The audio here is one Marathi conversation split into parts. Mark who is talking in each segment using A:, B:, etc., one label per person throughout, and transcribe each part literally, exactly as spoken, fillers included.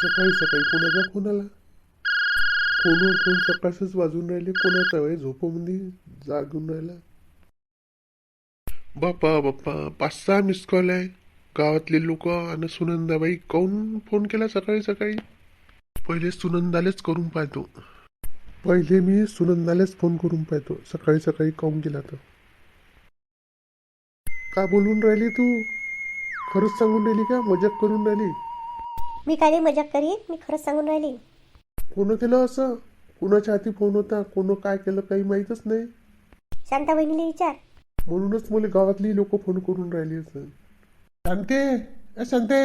A: सकाळी सकाळी कोणाचा फोन आला? फोनवर फोन सकाळच वाजून राहिले. कोणाचा वय झोपमध्ये जागून राहिला? बाप्पा बाप्पा, पाच सहा मिस कॉल आहे. गावातले लोक आणि सुनंदाबाई काऊन फोन केला सकाळी सकाळी? पहिले सुनंदालेच करून पाहतो. पहिले मी सुनंदालेच फोन करून पाहतो सकाळी सकाळी काऊन केला तर. का बोलून राहिली तू? खरंच सांगून राहिली का मजाक करून राहिली?
B: मी काय मजाक करीन, मी खरंच सांगून राहिली.
A: कोण केलं असं? कोणाच्या हाती फोन होता? कोण काय केलं काही माहीतच नाही.
B: शांता बहिणीला विचार.
A: म्हणूनच मला गावातली लोक फोन करून राहिली असं. शांते, ए शांते,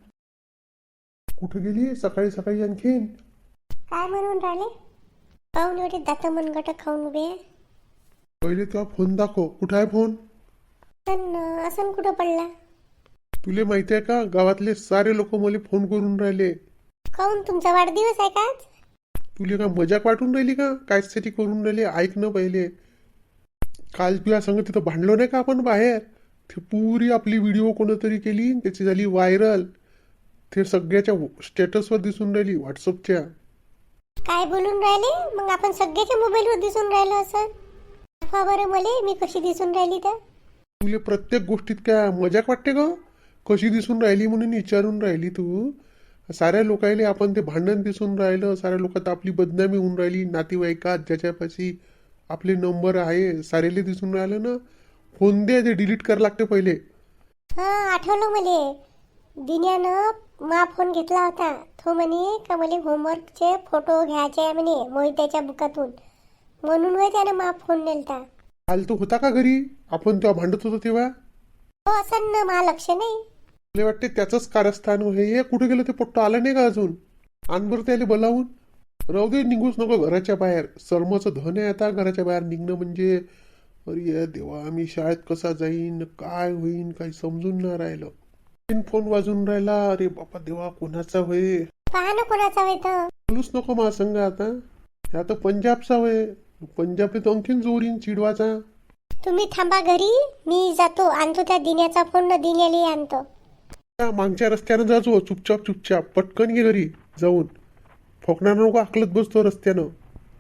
A: कुठं गेली सकाळी सकाळी आणखीन?
B: काय म्हणून राहिले? पाहून एवढे दात मनगट खाऊन उभे.
A: पहिले तुला फोन दाखव. कुठं आहे फोन?
B: पण असं कुठं पडला?
A: तुले माहिती आहे का गावातले सारे लोक मला फोन करून राहिले.
B: काऊन तुमचा वाढदिवस आहे का?
A: तुले का मजाक वाटून राहिली का? कायसाठी करून राहिले? ऐक ना पहिले. काल तुला सांग तिथं भांडलो नाही का आपण बाहेर? ते पुरी आपली व्हिडिओ कोणतरी केली, त्याची झाली व्हायरल. ते सगळ्याच्या स्टेटसवर दिसून राहिली व्हॉट्सअपच्या.
B: काय बोलून राहिले? मग आपण सगळ्याच्या मोबाईलवर दिसून राहिलो असं? दाखवा बरं मले, मी कशी दिसून राहिली तर.
A: तुले प्रत्येक गोष्टीत काय मजाक वाटते का? कशी दिसून राहिली म्हणून विचारून राहिली तू? साऱ्या लोकायले आपण ते भांडण दिसून राहिलं. साऱ्या लोकात आपली बदनामी होऊन राहिली. नातेवाईकात ज्याच्यापाशी आपले नंबर आहे सारेले दिसून राहिलं ना. फोन दे, ते डिलीट करायला लागते पहिले.
B: हा, आठवलं मले. दिन्यानं मा फोन घेतला होता. तो म्हणे का मला होमवर्कचे फोटो घ्यायचे आहे म्हणे मोहित्याच्या बुकातून, म्हणून वय त्यानं मा फोन नेलता.
A: काल तो होता का घरी? आपण तेव्हा भांडत होतो तेव्हा?
B: हो असं ना, मा लक्ष नाही.
A: मला वाटते त्याचंच कारस्थान हे. कुठे गेलं ते पोट्ट? आलं नाही का अजून? आण बरं त्याला बोलावून. राहू दे, निघूच नको घराच्या बाहेर. सर्मचं धन आहे आता घराच्या बाहेर निघणं म्हणजे. अरे देवा, मी शाळेत कसा जाईन, काय होईन, काही समजून नाही राहिलं. फोन वाजून राहिला. अरे बापा देवा, कोणाचा होय?
B: पहा ना कोणाचा होय तर.
A: बोलूच नको मा संग आता. ह्या तर पंजाबचा होय. पंजाबने तर आणखीन जोरीन चिडवाचा.
B: तुम्ही थांबा घरी, मी जातो आणतो त्या दिन्याचा फोन, न दिन्याला आणतो.
A: मागच्या रस्त्यानं जाजो चुपचाप चुपचाप. पटकन घे घरी जाऊन. फोकणार नको आकलत बसतो रस्त्यानं.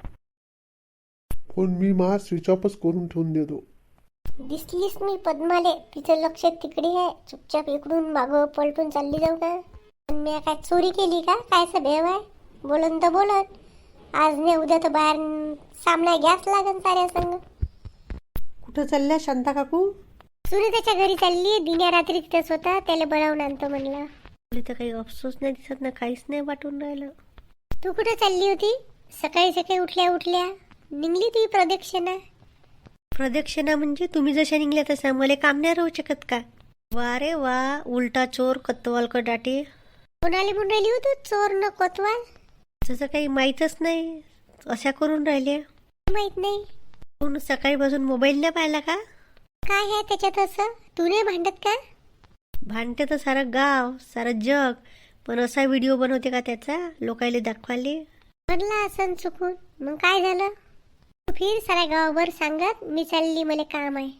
A: फोन मी मा स्विच ऑफच करून ठेवून देतो.
B: दिसलीस मी पद्माले, तिचं लक्ष तिकडे आहे. चुपचाप इकडून मागं पलटून चालली जाऊ का? मी काय चोरी केली का? काय असं भेव आहे? बोलन तर बोलत. आज नाही उद्या तर बाहेर सामना घ्याच लागन साऱ्या संग.
C: कुठं चालल्या शांता काकू?
B: सुरू त्याच्या घरी चालली. दिन्या रात्री तिथंच होता, त्याला बोलावून आणतो म्हणलं.
C: तर काही अफसोस नाही दिसत ना, काहीच नाही वाटून राहिलं.
B: तू कुठं चालली होती? सकाळी सकाळी उठल्या उठल्या निघली ती प्रदक्षिणा.
C: प्रदक्षिणा म्हणजे तुम्ही जशा निघल्या तसा मला काम नाही राहू शकत का? वा रे वा, उलटा चोर कत्तवाल कडाटे.
B: कोणाला म्हणून राहिली होती चोर न कोतवाल?
C: तसं काही माहीतच नाही, अशा करून राहिल्या.
B: माहित नाही.
C: पूर्ण सकाळी बसून मोबाईल नाही पाहिला का?
B: काय आहे त्याच्यात असं? तू नाही भांडत का?
C: भांडते तर सारं गाव सारं जग, पण असा व्हिडिओ बनवते का त्याचा लोकायले दाखवाले?
B: म्हणला असं चुकून, मग काय झालं? फिर साऱ्या गावावर सांगत मी चालली, मला काम आहे.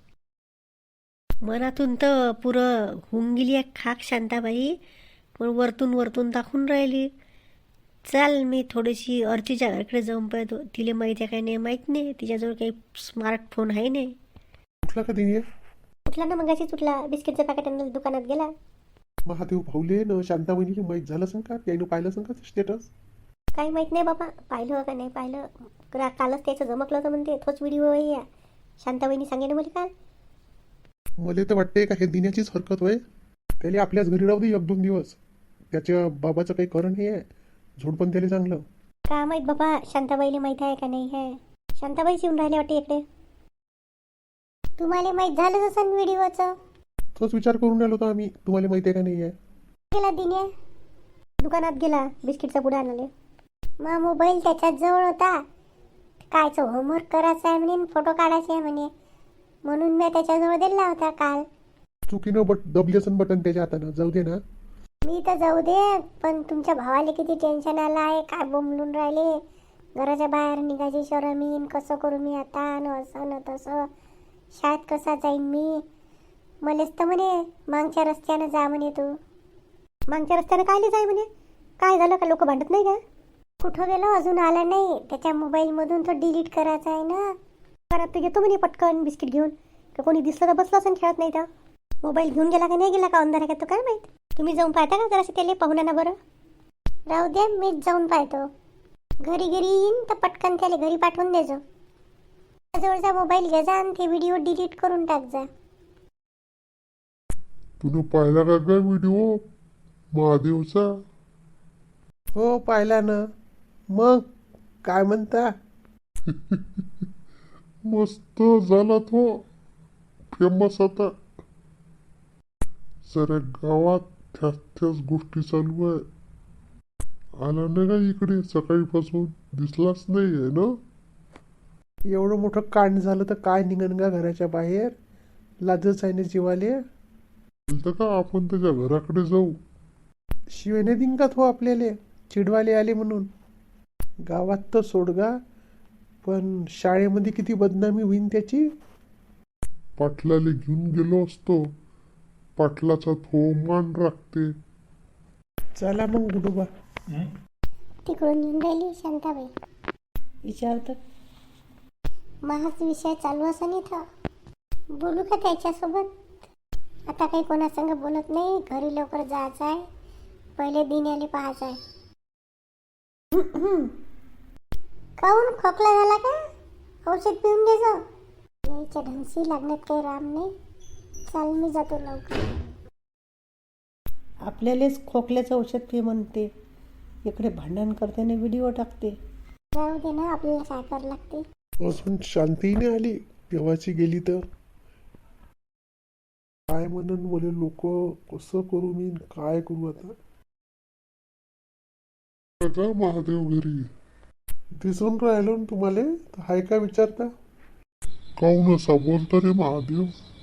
C: मनातून तर पुरं होऊन गेली आहे खाक शांताबाई, पण वरतून वरतून दाखवून राहिली. चाल मी थोडीशी अर्चीच्या घराकडे जाऊन पाहतो. तिला माहिती आहे काय नाही माहीत नाही, तिच्याजवळ काही स्मार्टफोन आहे नाही.
A: उठला का दिनी?
B: उठला ना मगाशीच उठला. बिस्किटचं पॅकेट आणलं दुकानात गेला.
A: महादेव भाऊले न शांता बहिणीला माहीत झालं सांग का? त्यानं पाहिलं सांग का स्टेटस?
B: काही माहित नाही बाबा, पाहिलं का नाही पाहिलं. रा- कालच त्याचं जमकलं होतं म्हणते. तोच व्हिडिओ आहे या शांताबाईंनी सांगेन मला काल.
A: मला तर वाटते का हे दिन्याचीच हरकत होय. त्याला आपल्याच घरी राहू दे एक दोन दिवस. त्याच्या बाबाचं काही कारण नाही आहे. झोड पण त्याला चांगलं.
B: का माहित बाबा, शांताबाईला माहित आहे का नाही आहे. शांताबाईच येऊन राहिले वाटते इकडे. तुम्हाला माहित झालं जसं व्हिडिओचं.
A: तोच विचार करून राहिलो होतो आम्ही, तुम्हाला माहिती आहे का नाही आहे.
B: गेला दिन्या दुकानात गेला बिस्किटचा पुडा आणाले. मा मोबाईल त्याच्याच जवळ होता. कायचं होमवर्क करायचं आहे म्हणे, फोटो काढायचे आहे म्हणे, म्हणून मी त्याच्याजवळ दिला होता काल.
A: चुकीनं बट दबल्यासन बटन त्याच्या हातानं. जाऊ दे ना.
B: मी तर जाऊ दे, पण तुमच्या भावाला किती टेन्शन आलं आहे. काय बोंबलून राहिले. घराच्या बाहेर निघायची शरमीन, कसं करू मी आता, न असं न तसं. शाळेत कसा जाईन मी. मलेच तर म्हणे मागच्या रस्त्यानं जा म्हणे तू. मागच्या रस्त्यानं कायले जाय म्हणे. काय झालं का, लोक भांडत नाही का? कुठं गेलो, अजून आला नाही. त्याच्या मोबाईलमधून तो डिलीट करायचा आहे ना. परत तो येतो म्हणे पटकन बिस्किट घेऊन, का कोणी दिसलं तर बसलं असं खेळत नाही तर. मोबाईल घेऊन गेला का नाही गेला का अंधार आहे का तो काय माहीत. तुम्ही जाऊन पाहता का जरासं त्याला, पाहून ना बरं. राहू द्या, मीच जाऊन पाहतो. घरी घरी येईन तर पटकन त्याला घरी पाठवून देजो. जवळचा मोबाईल घ्या जा आणि ते व्हिडिओ डिलीट करून टाक जा.
A: तुला पाहिला का काय व्हिडिओ महादेवचा? हो पाहिला ना. मग काय म्हणता? मस्त झाला तो, फेमस आता. साऱ्या गावात त्याच त्याच गोष्टी चालू आहे. आला नाही का इकडे सकाळीपासून, दिसलाच नाही आहे ना. एवढं मोठं कांड झालं तर काय निघन का घराच्या बाहेर, लाजच आहे ना जीवाले. बोलतं का आपण त्याच्या घराकडे जाऊ, शिवेने दिंकात हो आपल्याला, चिडवाले आले म्हणून. गावात तर सोडगा, पण शाळेमध्ये किती बदनामी होईन त्याची. पाटलाले घेऊन गेलो असतो, पाटलाचा थो मान राखते. चला मग गुडोबा.
B: तिकडून येऊन राहिली शांताबाई.
C: विचारतं
B: महाच विषय चालू असं इथं. बोलू का त्याच्यासोबत? आता काही कोणासंग बोलत नाही. घरी लवकर जायचं आहे, पहिले दिन्याले पाहायचं आहे. काहून खोकला झाला का? औषध पिऊन घे जा. यायच्या ढंगशी लागण्यात काही राम नाही. चाल मी जातो लवकर.
C: आपल्यालाच खोकल्याचं औषध पे म्हणते, इकडे भांडण करते ना व्हिडिओ टाकते.
B: जाऊ दे ना, आपल्याला काय करावं लागते.
A: अजून शांतीने आली देवाची गेली तर. काय म्हणून बोले लोक, कसं करू मी, काय करू आता. का महादेव घरी दिसून राहिलो ना तुम्हाला, हाय का विचारता? काऊन असा बोलतो रे महादेव?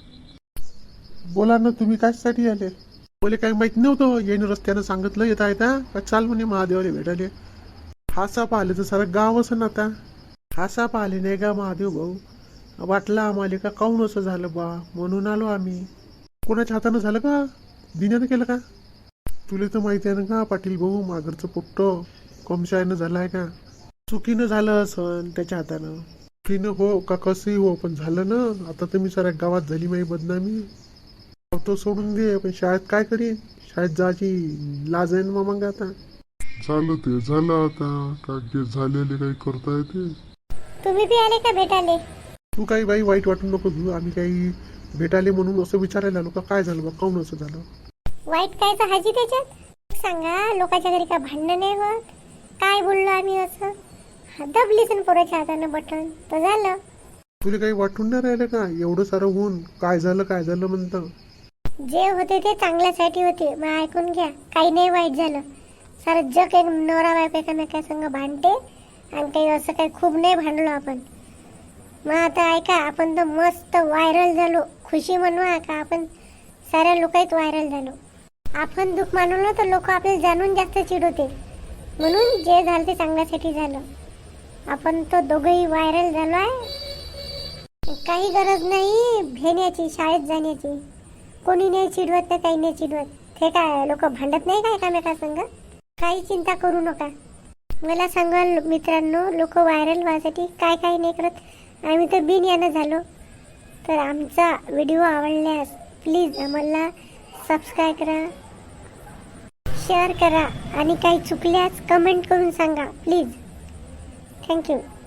A: बोला ना, तुम्ही कशासाठी आले? बोले काही माहित नव्हतं, येईन रस्त्यानं सांगितलं येता येता का चाल म्हणे महादेवाला भेटायले. हासा पाहिले तर सारं गाव असं ना. आता हासा पाहिले नाही का महादेव भाऊ? वाटलं आम्हाला का काऊन असं झालं बा, म्हणून आलो आम्ही. कोणाच्या हातानं झालं का, दिन्यानं केलं का? तुला तर माहिती आहे ना का पाटील भाऊ, मागरचं पोट्ट कमशायनं झालं आहे का? चुकीनं झालं असं त्याच्या हातानं. चुकीनं हो का कसंही हो, पण झालं ना. आता तर मी साऱ्या गावात झाली माझी बदनामी. तो सोडून दे, पण शाळेत काय करीन, शाळेत जायची लाज आहे ना मग. आता झालं ते झालं, आता काय झालेले काही करता येते.
B: तुम्ही बी आले का भेटाले?
A: तू काही बाई वाईट वाटून नको घेऊ, आम्ही काही भेटाले म्हणून असं विचारायला आलो का काय झालं बा, काऊन असं झालं.
B: वाईट काय तर हाजी त्याच्यात सांगा. लोकांच्या घरी काय भांडण नाही होत? काय बोललो आम्ही असं? दबलीच ना पोराच्या हातानं बटन तर झालं.
A: तुला काही वाटून नाही राहिलं का एवढं सारं होऊन, काय झालं काय झालं म्हणतं.
B: जे होते ते चांगल्यासाठी होते, मग ऐकून घ्या. काही नाही वाईट झालं. सारं जग एक नवरा बायको एकामेका संग भांडते, आणि काही असं काही खूप नाही भांडलो आपण. मग आता ऐका, आपण तर मस्त व्हायरल झालो. खुशी म्हणवा का आपण साऱ्या लोकांत व्हायरल झालो. आपण दुःख मानवलं तर लोक आपल्याला जाणून जास्त चिडवते, म्हणून जे झालं ते चांगल्यासाठी झालं. आपण तो दोघंही व्हायरल झालो आहे. काही गरज नाही भेण्याची, शाळेत जाण्याची. कोणी नाही चिडवत तर काही नाही चिडवत. हे काय लोक भांडत नाही का एकामेका संग? काही चिंता करू नका. मला सांगाल मित्रांनो, लोक व्हायरल व्हायसाठी काय काय नाही करत. आम्ही तर बिन यानं झालो. तर आमचा व्हिडिओ आवडल्यास प्लीज आम्हाला सबस्क्राईब करा, शेअर करा, आणि काही चुकल्यास कमेंट करून सांगा प्लीज. थँक्यू.